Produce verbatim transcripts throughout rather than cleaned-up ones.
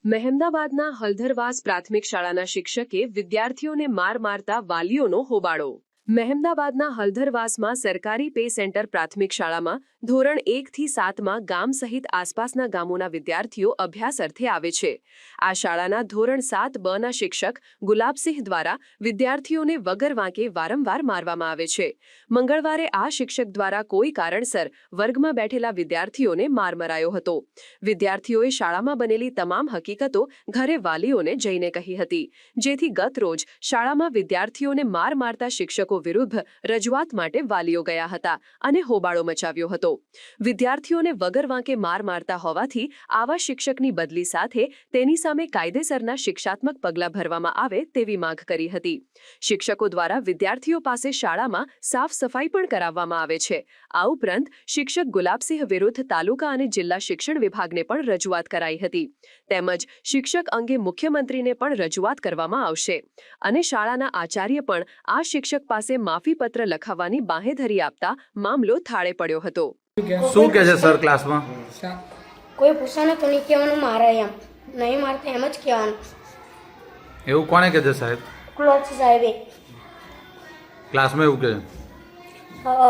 મહેમદાબાદના હલધરવાસ પ્રાથમિક શાળાના શિક્ષકે વિદ્યાર્થીઓને માર મારતા વાલીઓનો હોબાળો। મહેમદાબાદના હલધરવાસમાં સરકારી પે સેન્ટર પ્રાથમિક શાળામાં ધોરણ એક થી સાતમાં ગામ સહિત આસપાસના ગામોના વિદ્યાર્થીઓ અભ્યાસ અર્થે આવે છે। આ શાળાના ધોરણ સાત બ ના શિક્ષક ગુલાબસિંહ દ્વારા વિદ્યાર્થીઓને વગર વાંકે વારંવાર મારવામાં આવે છે। મંગળવારે આ શિક્ષક દ્વારા કોઈ કારણસર વર્ગમાં બેઠેલા વિદ્યાર્થીઓને માર મરાયો હતો। વિદ્યાર્થીઓએ શાળામાં બનેલી તમામ હકીકતો ઘરે વાલીઓને જઈને કહી હતી, જેથી ગત રોજ શાળામાં વિદ્યાર્થીઓને માર મારતા શિક્ષકો વિરુદ્ધ રજૂઆત માટે વાલીઓ ગયા હતા અને હોબાળો મચાવ્યો હતો। વિદ્યાર્થીઓને વગર વાંકે માર મારતા હોવાથી આવા શિક્ષકની બદલી સાથે તેની સામે કાયદેસરના શિક્ષાત્મક પગલાં ભરવામાં આવે તેવી માંગ કરી હતી। શિક્ષકો દ્વારા વિદ્યાર્થીઓ પાસે શાળામાં સાફ સફાઈ પણ કરાવવામાં આવે છે। આ ઉપરાંત શિક્ષક ગુલાબસિંહ વિરુદ્ધ તાલુકા અને જિલ્લા શિક્ષણ વિભાગને પણ રજૂઆત કરાઈ હતી, તેમજ શિક્ષક અંગે મુખ્યમંત્રીને પણ રજૂઆત કરવામાં આવશે અને શાળાના આચાર્ય પણ આ શિક્ષક પાસે માફી પત્ર લખાવવાની બાંહેધરી આપતા મામલો થાળે પડ્યો હતો। શું કહે છે સર ક્લાસમાં? કોઈ પૂછાને તો નહીં કહેવાનું મારે એમ નહીં મારતા એમ જ કહેવાનું। એવું કોને કહે છે સાહેબ? ક્લોચ સાહેબે ક્લાસમાં એવું કહે છે? હા।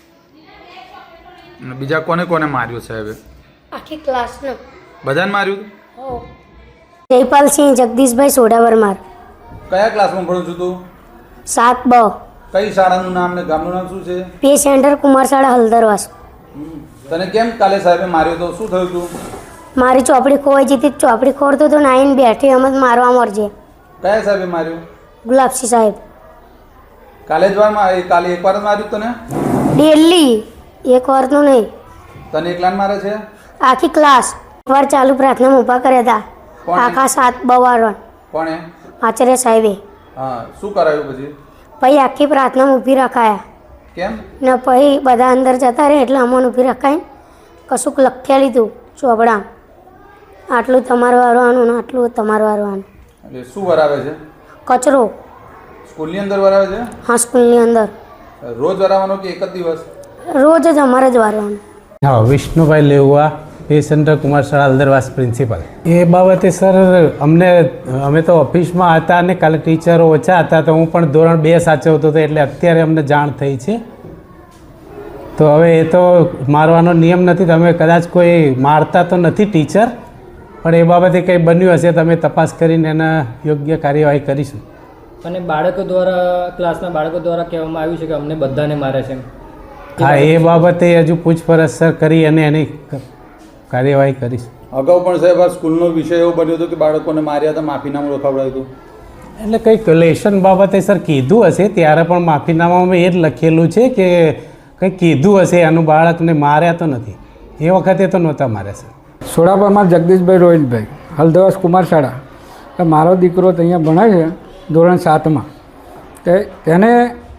અને બીજા કોને કોને માર્યું સાહેબે? આખી ક્લાસનો બધાને માર્યું? હો। જયપાલસિંહ જગદીશભાઈ સોડાવરમાર। કયા ક્લાસમાં ભણું છું તું? સાત બ। કઈ શાળાનું નામ ને ગામનું નામ શું છે? Pay centre Kumarshala Haldarvas. તને કેમ કાલે સાહેબે માર્યો તો? શું થયું તું? મારી ચોપડી ખોવાઈ જતી, ચોપડી ખોરતો તો નાઈને બેઠી એમ જ મારવા મળજે। કયા સાહેબે માર્યું? ગુલાબસિંહ સાહેબ। કાલે જ વાર મારી? કાલે એક વાર જ માર્યું તને? ડેલી એક વારનું નહીં। તને એકલાને મારે છે? આખી ક્લાસ વાર ચાલુ પ્રાર્થનામાં ઊભા કર્યા હતા કોણે? આખા સાત બ વાળા કોણે? આચાર્ય સાહેબે। હા, શું કરાયું પછી? પછી આખી પ્રાર્થનામાં ઊભી રખાયા કેમ? ને પછી બધા અંદર જતા રહે એટલે અમને ઊભી રખાઈને કશુંક લખ્યા લીધું ચોપડા, આટલું તમારું વારવાનું ને આટલું તમારું વારવાનું। એટલે શું વરાવે છે? કચરો સ્કૂલની અંદર વરાવે છે? હા, સ્કૂલની અંદર રોજ વરાવવાનો કે એક જ દિવસ? રોજ જ અમારે જ વારવાનું। હા, વિષ્ણુભાઈ લેવા, pay centre Kumarshala Haldarvas principal. એ બાબતે સર અમને અમે તો ઓફિસમાં હતા અને કાલે ટીચરો ઓછા હતા તો હું પણ ધોરણ બે સાચવતો હતો એટલે અત્યારે અમને જાણ થઈ છે। તો હવે એ તો મારવાનો નિયમ નથી, તમે કદાચ કોઈ મારતા તો નથી ટીચર, પણ એ બાબતે કંઈ બન્યું હશે તમે તપાસ કરીને એના યોગ્ય કાર્યવાહી કરીશું। અને બાળકો દ્વારા ક્લાસના બાળકો દ્વારા કહેવામાં આવ્યું છે કે અમને બધાને મારે છે। હા, એ બાબતે હજુ પૂછપરછ સર કરી અને એની કાર્યવાહી કરીશ। અગાઉ પણ સાહેબ આ સ્કૂલનો વિષય એવો બન્યો હતો કે બાળકોને માર્યા હતા, માફીનામું લખાવડાયું હતું? એટલે કંઈક લેશન બાબતે સર કીધું હશે, ત્યારે પણ માફીનામામાં એ જ લખેલું છે કે કંઈક કીધું હશે, એનું બાળકને માર્યા તો નથી, એ વખતે તો નહોતા માર્યા સર। સોડાપરમાં જગદીશભાઈ રોહિતભાઈ, હલદરવાસ કુમારશાળા। મારો દીકરો તો અહીંયા ભણે છે ધોરણ સાતમાં, તે તેને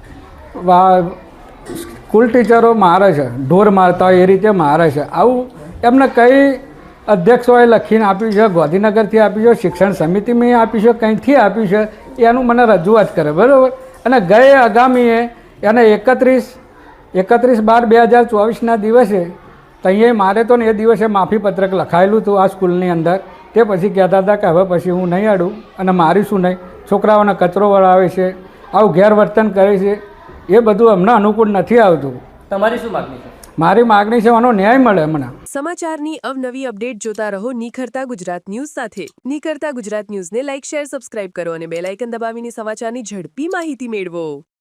સ્કૂલ ટીચરો મારે છે, ઢોર મારતા હોય એ રીતે મારે છે। આવું એમને કઈ અધ્યક્ષોએ લખીને આપ્યું છે, ગાંધીનગરથી આપ્યું છે, શિક્ષણ સમિતિમાં આપ્યું છે, કંઈથી આપ્યું છે એનું મને રજૂઆત કરે, બરાબર। અને ગયે આગામીએ એને એકત્રીસ એકત્રીસ બાર બે હજાર ચોવીસના દિવસે ત્યાં મારે તો ને એ દિવસે માફીપત્રક લખાયેલું હતું આ સ્કૂલની અંદર। તે પછી કહેતા હતા કે હવે પછી હું નહીં અડું અને મારીશું નહીં, છોકરાઓને કચરો વળાવે છે, આવું ગેરવર્તન કરે છે, એ બધું અમને અનુકૂળ નથી આવતું। તમારી શું માગણી છે? મારી માગણી છે આનો ન્યાય મળે મને। સમાચારની અવનવી અપડેટ જોતા રહો નિખરતા ગુજરાત ન્યૂઝ સાથે। નિખરતા ગુજરાત ન્યૂઝને લાઇક, શેર, સબસ્ક્રાઇબ કરો અને બેલ આઇકન દબાવીને સમાચારની ઝડપી માહિતી મેળવો।